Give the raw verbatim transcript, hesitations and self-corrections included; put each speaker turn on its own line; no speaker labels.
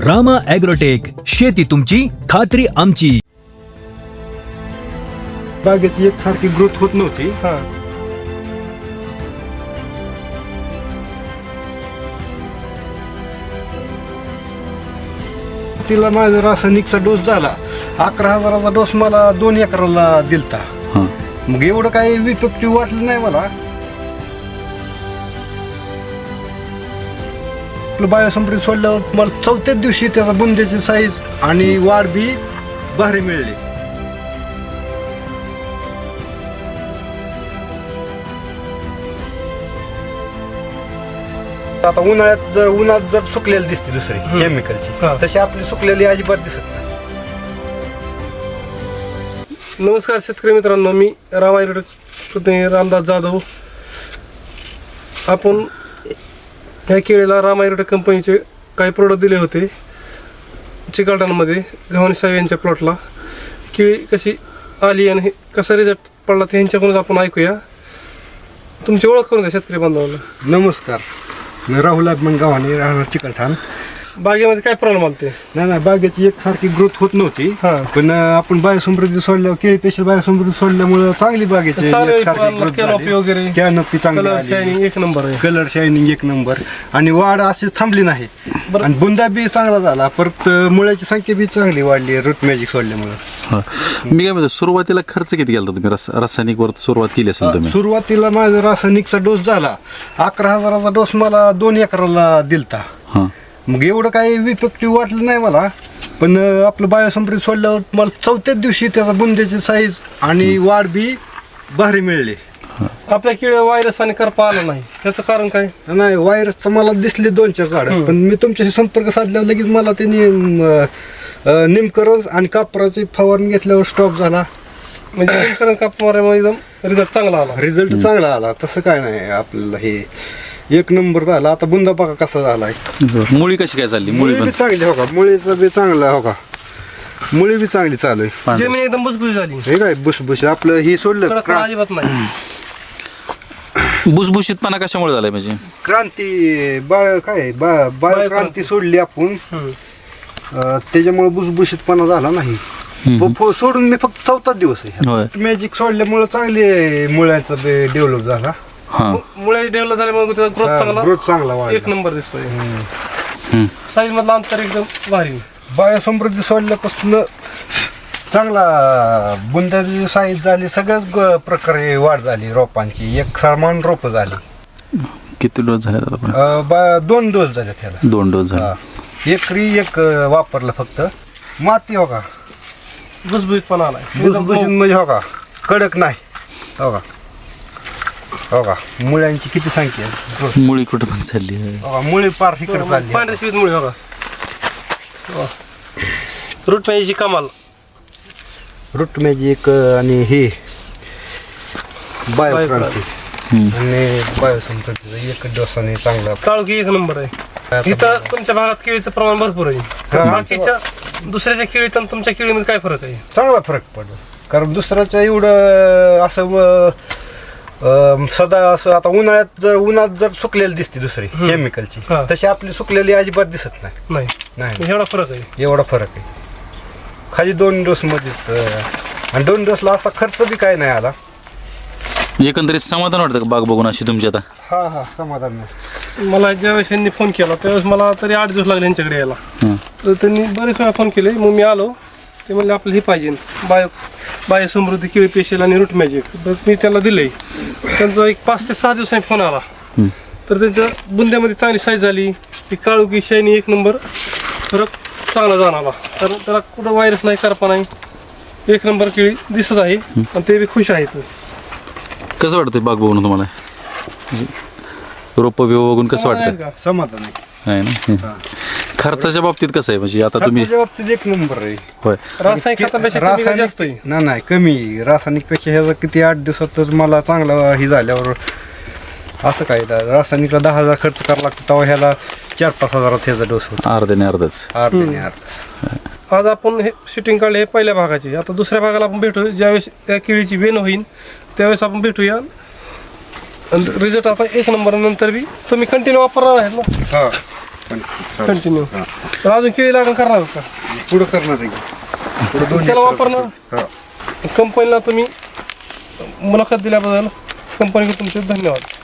Rama agrotech, शेती तुमची खात्री आमची.
बागेची एकसारखी ग्रोथ होत नव्हती.
हा
तिला माझा रासायनिकचा डोस झाला. अकरा हजाराचा डोस मला दोन एकराला दिलता. मग एवढं काही इफेक्टिव्ह वाटलं नाही मला. आपलं बायोसंप्रीत सोडल्यावर मला चौथ्याच दिवशी त्याचा बुंद्याची साईज आणि वाढ बी भारी मिळली. आता उन्हाळ्यात जर उन्हात जर सुकलेली दिसते दुसरी केमिकलची,
हा.
तशी आपली सुकलेली अजिबात दिसत नाही.
नमस्कार शेतकरी मित्रांनो, मी रामा ॲग्रोटेक रामदास जाधव. आपण ह्या केळीला रामा ॲग्रोटेक कंपनीचे काही प्रोडक्ट दिले होते चिकलठाणमध्ये गव्हाणी साहेब यांच्या प्लॉटला. केळी कशी आली आणि कसा रिझल्ट पडला ते ह्यांच्याकडूनच आपण ऐकूया. तुमची ओळख करून द्या शेतकरी बांधवांना.
नमस्कार, मी राहुल अभिमान गव्हाणे, राहणार चिकलठाण.
बागेमध्ये काय प्रॉब्लेम आला ते?
नाही नाही बागेची एकसारखी ग्रोथ होत नव्हती.
हा.
पण आपण बायोसमृद्धी सोडल्यावर केळी पेशल बायोसमृद्धी सोडल्यामुळे चांगली बागेची
कॅनोपी वगैरे
कॅनोपी चांगली
कलर
आली.
शायनिंग एक नंबर आहे.
कलर शायनिंग एक नंबर आणि वाढ अशीच थांबली नाही.
बरं.
आणि बुंदा बी चांगला झाला. परत मुळ्याची संख्या बी चांगली वाढली रूट मॅजिक सोडल्यामुळे.
हा. मी काय म्हणतो, सुरुवातीला खर्च किती केला तुम्ही? रस रासायनिक वर सुरुवात केली असेल तुम्ही.
सुरुवातीला माझा रासायनिकचा डोस झाला. अकरा हजाराचा डोस मला दोन एकराला दिलता.
हा.
मग एवढं काही इफेक्टिव्ह वाटलं नाही मला. पण अं, आपलं बायोसंप्रीत सोडल्यावर मला चौथ्याच दिवशी त्याचा बुंद्याची साईज आणि वाढ बी भारी मिळली.
आपल्या केळी व्हायरस आणि करपा आला नाही, त्याचं कारण काय?
नाही, व्हायरसचं मला दिसले दोन चार झाडं. पण मी तुमच्याशी संपर्क साधल्यावर लगेच मला त्यांनी निमकरंज आणि कापराची फवारणी घेतल्यावर स्टॉप झाला.
म्हणजे निमकरण कापमाऱ्यामुळे एकदम रिझल्ट चांगला आला.
रिझल्ट चांगला आला. तसं काय नाही आपल्याला, हे एक नंबर झाला. आता बुंदा बघा कसा झालाय.
मुळी कशी काय चालली? मुळी
मुळी
पण
बी चांगली हो का, मुळीचं बी चांगला हो का, मुळी बी चांगली चालू आहे.
पांढरी.
जमीन एकदम भुसभुशीत झाली.
हे काय बुसबुस आपलं हे सोडलं
कडक
क्रा-
अजिबात नाही.
भुसभुशीतपणा कशामुळे झालाय म्हणजे?
क्रांती बाय काय बा- बायो क्रांती सोडली आपण.
हम्म.
अं, त्याच्यामुळे बुसबुशीतपणा झाला नाही. प- प- सोडून मी फक्त चौथाच दिवस आहे.
होय.
मॅजिक सोडल्यामुळे चांगली मुळ्याचा डेव्हलप झाला.
हा.
मुळे डेव्हलप झाल्यामुळे त्याचा ग्रोथ चांगला
ग्रोथ चांगला
एक
वाढला.
नंबर दिसतोय.
हम्म.
साईज मधला अंतर एकदम भारी.
बायोसमृद्धी सोडल्यापासून चांगला बुंदाची साईज झाली. सगळ्याच ग- प्रकारे वाढ झाली रोपांची. एक समान रोप झाली.
किती डोस झाले आता आपण?
अं, बा- दोन डोस झाले त्याला.
दोन डोस झाले.
हा. एकरी एक अं, वापरलं फक्त. माती हो का,
भुसभुशीतपणा आलाय.
भुसभुशीत म्हणजे हो का, कडक नाही हो का. हो का, मुळ्यांची किती संख्या आहे.
मुळी कुठं पण चालली आहे.
हो का, मुळे पार इकडे चालली.
पांढऱ्या शिवीत मुळे बघा. रूट मॅजिकची कमाल.
रूट मॅजिक आणि हे बायो क्रांती
हम्म.
आणि बायोसंपत्तीचा एक डोसाने चांगला.
काळोखी एक नंबर आहे. इथं तुमच्या भागात केळीचं प्रमाण भरपूर आहे. बाकीच्या दुसऱ्याच्या केळीत आणि तुमच्या केळीमध्ये काय फरक आहे?
चांगला फरक पडला. कारण दुसऱ्याच्या एवढं असं व- अं, सदा असं आता उन्हाळ्यात जर उन्हात जर सुकलेली दिसते दुसरी केमिकलची,
हा.
तशी आपली सुकलेली अजिबात दिसत नाही.
नाही,
नाही
एवढा फरक आहे.
एवढा फरक आहे. खाली दोन डोस मध्येच अं, आणि दोन डोसला असा खर्च बी काय नाही आला.
एकंदरीत समाधान वाटतं का बाग बघून अशी तुमची आता?
हा हा समाधान नाही.
मला ज्यावेळेस यांनी फोन केला त्यावेळेस मला तरी आठ दिवस लागले यांच्याकडे यायला.
हं.
तर त्यांनी बरेच वेळा फोन केले. मग मी आलो. ते म्हणले आपलं हे पाहिजे बायो बायो समृद्धी केळी पेशल आणि रूट मॅजिक. तर मी त्याला दिले. त्यांचा एक पाच ते सहा दिवसांनी फोन आला.
हं.
तर त्यांच्या बुंद्यामध्ये चांगली साईज झाली. ती काळुकी शायनी एक नंबर फरक चांगला जाणवला. कारण त्याला कुठं व्हायरस नाही, करपा नाही. एक नंबर केळी दिसत आहे आणि ते बी खुश आहेत.
कसं वाटतंय बाग बघून तुम्हाला? म्हणजे रोपं बिव बघून कसं वाटतं?
का?
समाधान आहे.
आहे ना? खर्चाच्या बाबतीत कसं आहे म्हणजे आता तुम्ही?
खर्चाच्या बाबतीत एक नंबर आहे.
होय.
रासायनिक खतापेक्षा chemical जास्त आहे.
नाही नाही कमी. रासायनिक पेक्षा ह्याचा किती आठ दिवसातच मला चांगला ही झाल्यावर असं काय रासायनिकला दहा हजार खर्च करावा लागतो, तेव्हा ह्याला चार पाच हजारात ह्याचा डोस होतो.
अर्ध्याने अर्धच.
अर्ध्याने अर्धच.
आज आपण हे शूटिंग काढले हे पहिल्या भागाची. आता दुसऱ्या भागाला आपण भेटू. ज्यावेळेस त्या केळीची वेण होईल त्यावेळेस आपण भेटूया. रिझल्ट आता एक नंबर नंतर बी तुम्ही कंटिन्यू वापरणार आहेत ना?
हा
कंटिन्यू तर अजून केळी लागण करणार का
पुढं करणार आहे पुढं दोन
त्याला वापरणार
हा
कंपनीला तुम्ही मुलाखत दिल्याबद्दल कंपनीकडे तुमचे धन्यवाद.